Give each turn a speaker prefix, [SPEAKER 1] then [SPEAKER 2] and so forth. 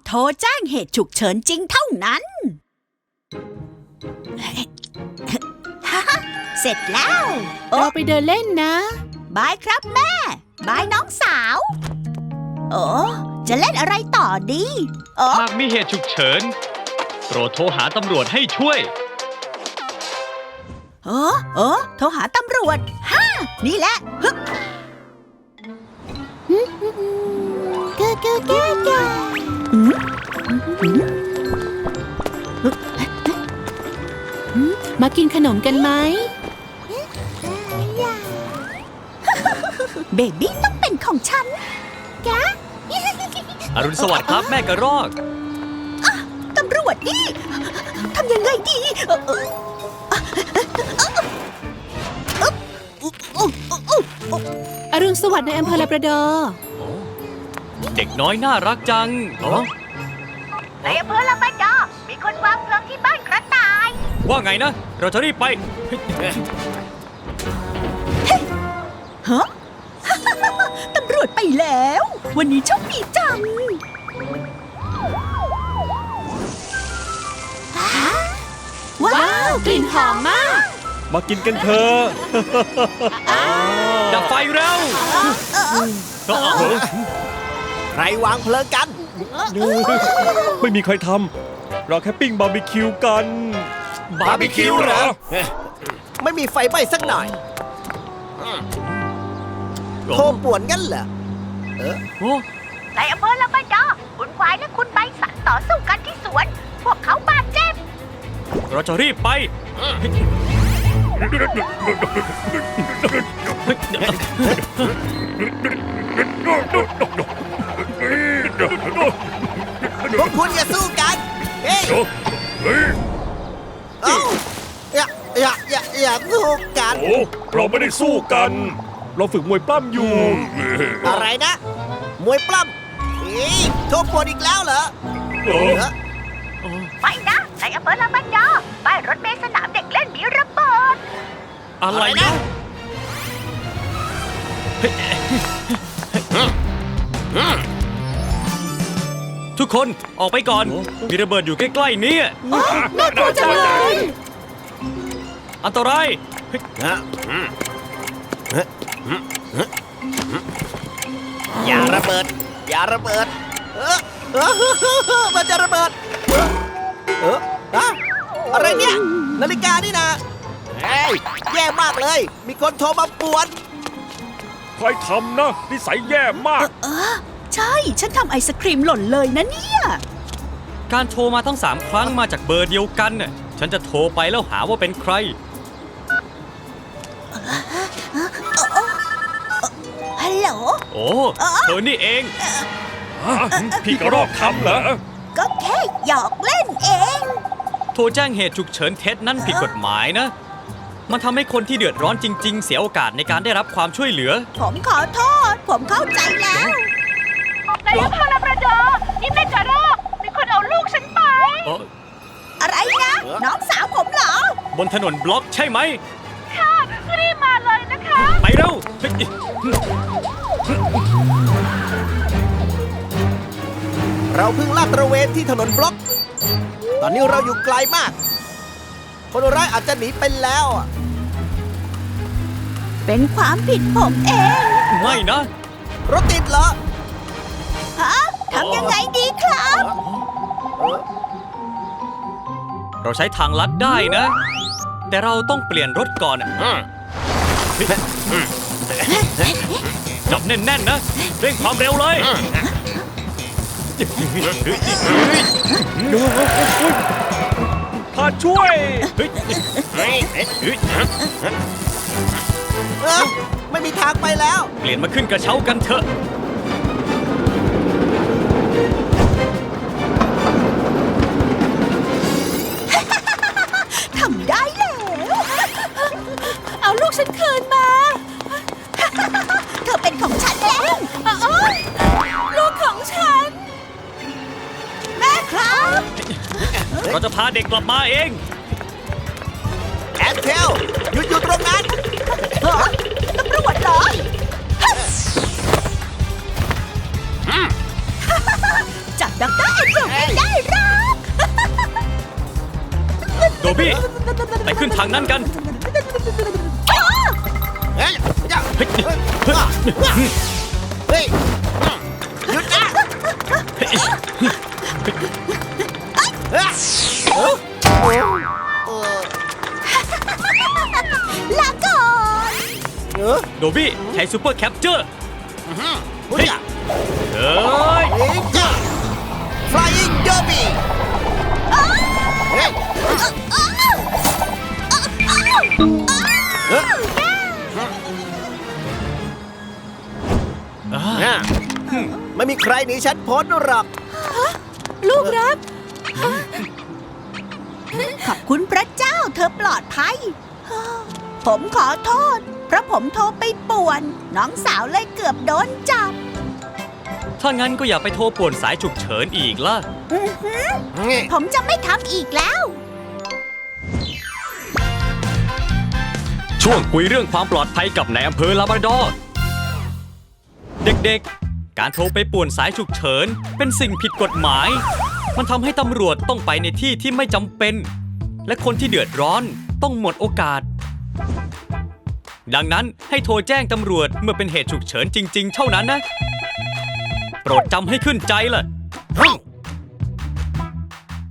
[SPEAKER 1] โทรแจ้งเหตุฉุกเฉินจริงเท่านั้น เสร็จแล้ว
[SPEAKER 2] เราไปเดินเล่นนะ
[SPEAKER 1] บายครับแม่ บายน้องสาวโอ้จะเล่นอะไรต่อดี
[SPEAKER 3] หากมีเหตุฉุกเฉินโปรดโทรหาตำรวจให้ช่วย
[SPEAKER 1] โทรหาตำรวจนี่แหละฮึบ
[SPEAKER 2] มากินขนมกันไหม
[SPEAKER 1] เบบี้ต้องเป็นของฉันแก
[SPEAKER 3] อรุณสวัสดิ์ครับแม่กระรอก
[SPEAKER 1] ตำรวจนี่ทำยังไงดี
[SPEAKER 2] อรุณสวัสดิ์ในอำเภอลาบราดอร์
[SPEAKER 3] เด็กน้อยน่ารักจัง
[SPEAKER 1] ในอำเภอลาบราดอร์มีคนวางเพลิงที่บ้านกระต่าย
[SPEAKER 3] ว่าไงนะเราจะรีบไป
[SPEAKER 1] ฮะ ตำรวจไปแล้ววันนี้โชคดีจัง
[SPEAKER 2] ว้าวกลิ่นหอมมาก
[SPEAKER 4] มากินกันเถอะ
[SPEAKER 3] ดับไฟเร็ว
[SPEAKER 5] ใครวางเพลิงกัน
[SPEAKER 4] ไม่มีใครทำเราแค่ปิ้งบาร์บีคิวกัน
[SPEAKER 5] บาร์บีคิวเหรอไม่มีไฟไหม้สักหน่อยโทรป่วนกันเหรอ
[SPEAKER 1] ในอำเภอลาบราดอร์คุณควายและคุณใบสันต่อสู้กันที่สวนพวกเขาบาดเจ็บ
[SPEAKER 3] เราจะรีบไป
[SPEAKER 5] พวกคุณอย่าสู้กันเฮ้ยอย่าสู้กัน
[SPEAKER 4] โอ้เราไม่ได้สู้กันเราฝึกมวยปล้ำอยู่
[SPEAKER 5] อะไรนะมวยปล้ำโทรป่วนอีกแล้วเหรอ
[SPEAKER 1] ไปนะในอำเภอลาบราดอร์ป้ายรถเมล์สนามเด็กเล่นมีระเบิด
[SPEAKER 3] อะไรนะทุกคนออกไปก่อนมีระเบิดอยู่ใกล้ๆนี้
[SPEAKER 2] น่ากลัวจังเลย
[SPEAKER 3] อันตราย
[SPEAKER 5] อย่าระเบิดมันจะระเบิดอะไรเนี่ยนาฬิกานี่นะแย่มากเลยมีคนโทรมาป่วน
[SPEAKER 4] ใครทำนะนิสัยแย่มาก
[SPEAKER 1] ใช่ฉันทำไอศครีมหล่นเลยนะเนี่ย
[SPEAKER 3] การโทรมาทั้ง3ครั้งมาจากเบอร์เดียวกันน่ะฉันจะโทรไปแล้วหาว่าเป็นใคร
[SPEAKER 1] ฮัลโหล
[SPEAKER 3] โอ้เธอนี่เอง
[SPEAKER 4] พี่กระรอกทำเหรอ
[SPEAKER 1] ก็แค่หยอกเล่นเอง
[SPEAKER 3] โทรแจ้งเหตุฉุกเฉินเท็จนั่นผิดกฎหมายนะมันทำให้คนที่เดือดร้อนจริงๆเสียโอกาสในการได้รับความช่วยเหลือ
[SPEAKER 1] ผมขอโทษผมเข้าใจแล้วในอำเภอลาบราดอร์นี่แม่กระรอกมีคนเอาลูกฉันไปอะไรนะน้องสาวผมเหรอบ
[SPEAKER 3] นถนนบล็อกใช่ไหม
[SPEAKER 1] ค่ะรีบมาเลยนะคะ
[SPEAKER 3] ไปเร็ว
[SPEAKER 5] เราเพิ่งลาดตระเวนที่ถนนบล็อกตอนนี้เราอยู่ไกลมากคนร้ายอาจจะหนีไปแล้ว
[SPEAKER 1] เป็นความผิดผมเอง
[SPEAKER 3] ไม่นะ
[SPEAKER 5] รถติดเหรอ
[SPEAKER 1] ฮะทำยังไงดีครับ
[SPEAKER 3] เราใช้ทางลัดได้นะแต่เราต้องเปลี่ยนรถก่อนจับแน่นๆนะเร่งความเร็วเลย
[SPEAKER 4] ข้าช่วย
[SPEAKER 5] ไม่มีทางไปแล้ว
[SPEAKER 3] เปลี่ยนมาขึ้นกระเช้ากันเถอะ
[SPEAKER 1] ทำได้แล้วเอาลูกฉันคืนมาเธอเป็นของฉันแล้วลูกของฉันแม่ครับ
[SPEAKER 3] เราจะพาเด็กกลับมาเอง
[SPEAKER 5] แอนเทลหยุดอยู่ตรงนั้น
[SPEAKER 1] ตำรวจเหรอจับดร.เอ็นโด
[SPEAKER 3] โดบี้ ไปขึ้นทางนั้นกัน
[SPEAKER 5] เฮ้ยจ้า
[SPEAKER 3] เฮ้ย
[SPEAKER 5] เฮ้ยหยุดนะเฮ้ย
[SPEAKER 1] ลาก่อน
[SPEAKER 3] โดบี้ ใช้ซูเปอร์แคปเจอร์
[SPEAKER 5] เฮ้ย
[SPEAKER 3] เฮ้ย
[SPEAKER 5] เฮ้ยจ้า Flying Derby เฮ้ยไม่มีใครหนีฉันพ้นหรอก
[SPEAKER 1] ลูกรัก ขอบคุณพระเจ้าเธอปลอดภัย ผมขอโทษ เพราะผมโทรไปป่วน น้องสาวเลยเกือบโดนจับ
[SPEAKER 3] ถ้างั้นก็อย่าไปโทรป่วนสายฉุกเฉินอีกล่ะ
[SPEAKER 1] ผมจะไม่ทำอีกแล้ว
[SPEAKER 3] ช่วงคุยเรื่องความปลอดภัยกับนายอำเภอลาบราดอร์ เด็กๆ การโทรไปป่วนสายฉุกเฉินเป็นสิ่งผิดกฎหมาย มันทำให้ตำรวจต้องไปในที่ที่ไม่จำเป็น และคนที่เดือดร้อนต้องหมดโอกาส ดังนั้นให้โทรแจ้งตำรวจเมื่อเป็นเหตุฉุกเฉินจริงๆ เท่านั้นนะ โปรดจำให้ขึ้นใจล่ะ